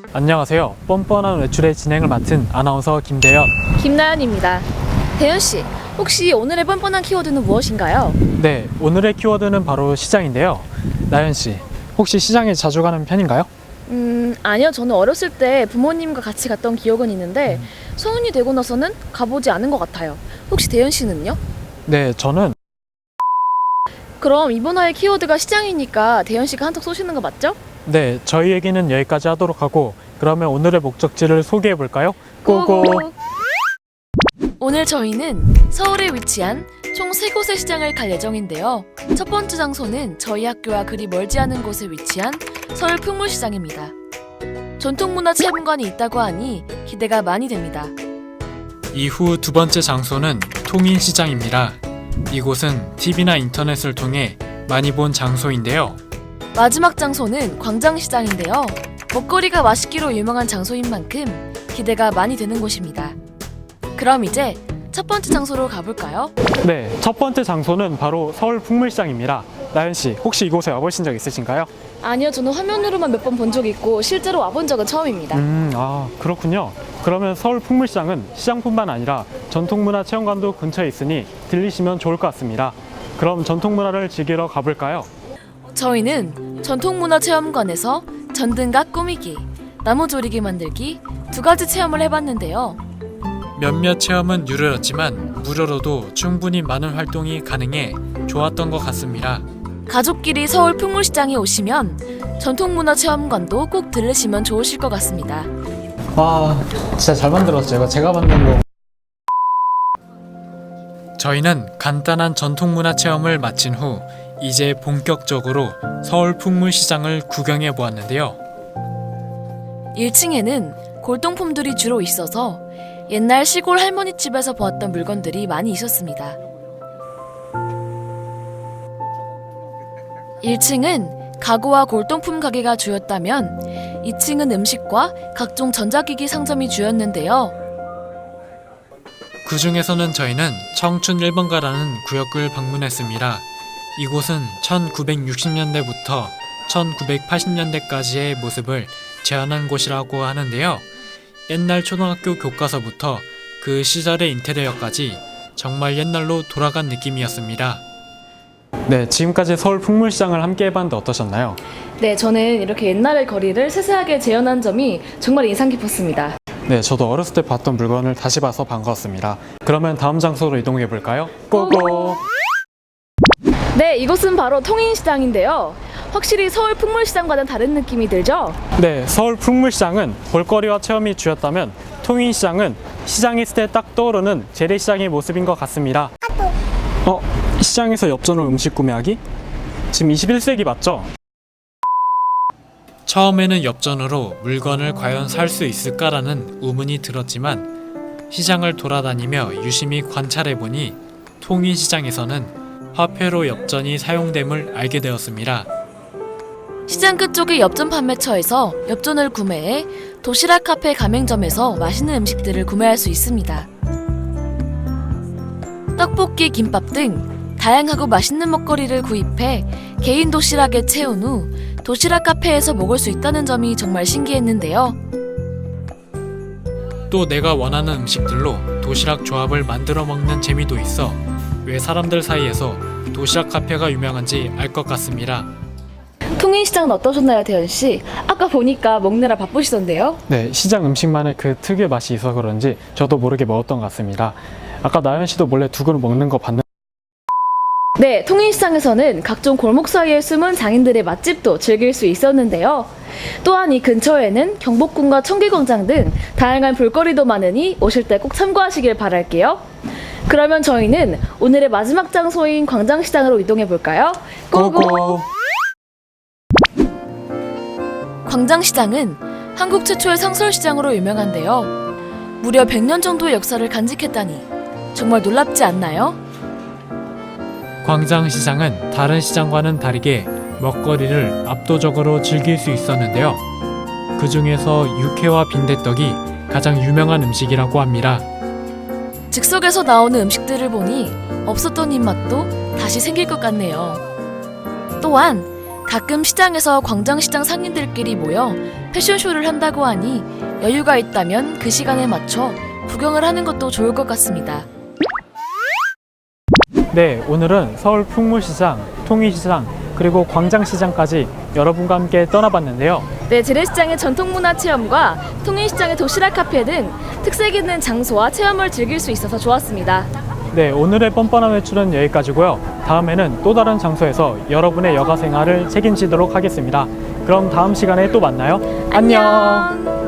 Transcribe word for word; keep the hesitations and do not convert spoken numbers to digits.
안녕하세요. 뻔뻔한 외출의 진행을 맡은 아나운서 김대현. 김나연입니다. 대현씨, 혹시 오늘의 뻔뻔한 키워드는 무엇인가요? 네, 오늘의 키워드는 바로 시장인데요. 나연씨, 혹시 시장에 자주 가는 편인가요? 음, 아니요. 저는 어렸을 때 부모님과 같이 갔던 기억은 있는데 성인이 되고 나서는 가보지 않은 것 같아요. 혹시 대현씨는요? 네, 저는 그럼 이번 화의 키워드가 시장이니까 대현씨가 한턱 쏘시는 거 맞죠? 네, 저희 얘기는 여기까지 하도록 하고 그러면 오늘의 목적지를 소개해 볼까요? 고고! 오늘 저희는 서울에 위치한 총 세 곳의 시장을 갈 예정인데요. 첫 번째 장소는 저희 학교와 그리 멀지 않은 곳에 위치한 서울 풍물시장입니다. 전통문화체험관이 있다고 하니 기대가 많이 됩니다. 이후 두 번째 장소는 통인시장입니다. 이곳은 티비나 인터넷을 통해 많이 본 장소인데요. 마지막 장소는 광장시장인데요. 먹거리가 맛있기로 유명한 장소인 만큼 기대가 많이 되는 곳입니다. 그럼 이제 첫 번째 장소로 가볼까요? 네, 첫 번째 장소는 바로 서울 풍물시장입니다. 나연씨, 혹시 이곳에 와보신 적 있으신가요? 아니요, 저는 화면으로만 몇 번 본 적이 있고 실제로 와본 적은 처음입니다. 음, 아, 그렇군요. 그러면 서울 풍물시장은 시장뿐만 아니라 전통문화체험관도 근처에 있으니 들리시면 좋을 것 같습니다. 그럼 전통문화를 즐기러 가볼까요? 저희는 전통문화체험관에서 전등각 꾸미기, 나무조리개 만들기 두 가지 체험을 해봤는데요. 몇몇 체험은 유료였지만 무료로도 충분히 많은 활동이 가능해 좋았던 것 같습니다. 가족끼리 서울 풍물시장에 오시면 전통문화체험관도 꼭 들르시면 좋으실 것 같습니다. 와, 진짜 잘 만들었어요. 제가 만든 거. 저희는 간단한 전통문화 체험을 마친 후 이제 본격적으로 서울 풍물시장을 구경해 보았는데요. 일 층에는 골동품들이 주로 있어서 옛날 시골 할머니 집에서 보았던 물건들이 많이 있었습니다. 일 층은 가구와 골동품 가게가 주였다면 이 층은 음식과 각종 전자기기 상점이 주였는데요. 그 중에서는 저희는 청춘 일 번가라는 구역을 방문했습니다. 이곳은 천구백육십 년대부터 천구백팔십 년대까지의 모습을 재현한 곳이라고 하는데요. 옛날 초등학교 교과서부터 그 시절의 인테리어까지 정말 옛날로 돌아간 느낌이었습니다. 네, 지금까지 서울 풍물시장을 함께 해봤는데 어떠셨나요? 네, 저는 이렇게 옛날의 거리를 세세하게 재현한 점이 정말 인상 깊었습니다. 네, 저도 어렸을 때 봤던 물건을 다시 봐서 반가웠습니다. 그러면 다음 장소로 이동해 볼까요? 고고! 네, 이곳은 바로 통인시장인데요. 확실히 서울 풍물시장과는 다른 느낌이 들죠? 네, 서울 풍물시장은 볼거리와 체험이 주였다면 통인시장은 시장에 있을 때 딱 떠오르는 재래시장의 모습인 것 같습니다. 어? 시장에서 엽전으로 음식 구매하기? 지금 이십일 세기 맞죠? 처음에는 엽전으로 물건을 과연 살 수 있을까라는 의문이 들었지만 시장을 돌아다니며 유심히 관찰해보니 통인시장에서는 화폐로 엽전이 사용됨을 알게 되었습니다. 시장 끝쪽의 엽전 판매처에서 엽전을 구매해 도시락 카페 가맹점에서 맛있는 음식들을 구매할 수 있습니다. 떡볶이, 김밥 등 다양하고 맛있는 먹거리를 구입해 개인 도시락에 채운 후 도시락 카페에서 먹을 수 있다는 점이 정말 신기했는데요. 또 내가 원하는 음식들로 도시락 조합을 만들어 먹는 재미도 있어 왜 사람들 사이에서 도시락 카페가 유명한지 알 것 같습니다. 통인시장은 어떠셨나요, 대현씨? 아까 보니까 먹느라 바쁘시던데요? 네, 시장 음식만의 그 특유의 맛이 있어서 그런지 저도 모르게 먹었던 것 같습니다. 아까 나연 씨도 몰래 두 그릇 먹는 거 봤는데 네, 통인시장에서는 각종 골목 사이에 숨은 장인들의 맛집도 즐길 수 있었는데요. 또한 이 근처에는 경복궁과 청계광장 등 다양한 볼거리도 많으니 오실 때 꼭 참고하시길 바랄게요. 그러면 저희는 오늘의 마지막 장소인 광장시장으로 이동해 볼까요? 고고! 광장시장은 한국 최초의 상설시장으로 유명한데요. 무려 백 년 정도의 역사를 간직했다니 정말 놀랍지 않나요? 광장시장은 다른 시장과는 다르게 먹거리를 압도적으로 즐길 수 있었는데요. 그 중에서 육회와 빈대떡이 가장 유명한 음식이라고 합니다. 즉석에서 나오는 음식들을 보니 없었던 입맛도 다시 생길 것 같네요. 또한 가끔 시장에서 광장시장 상인들끼리 모여 패션쇼를 한다고 하니 여유가 있다면 그 시간에 맞춰 구경을 하는 것도 좋을 것 같습니다. 네, 오늘은 서울 풍물시장, 통일시장, 그리고 광장시장까지 여러분과 함께 떠나봤는데요. 네, 재래시장의 전통문화 체험과 통일시장의 도시락 카페 등 특색 있는 장소와 체험을 즐길 수 있어서 좋았습니다. 네, 오늘의 뻔뻔한 외출은 여기까지고요. 다음에는 또 다른 장소에서 여러분의 여가 생활을 책임지도록 하겠습니다. 그럼 다음 시간에 또 만나요. 안녕.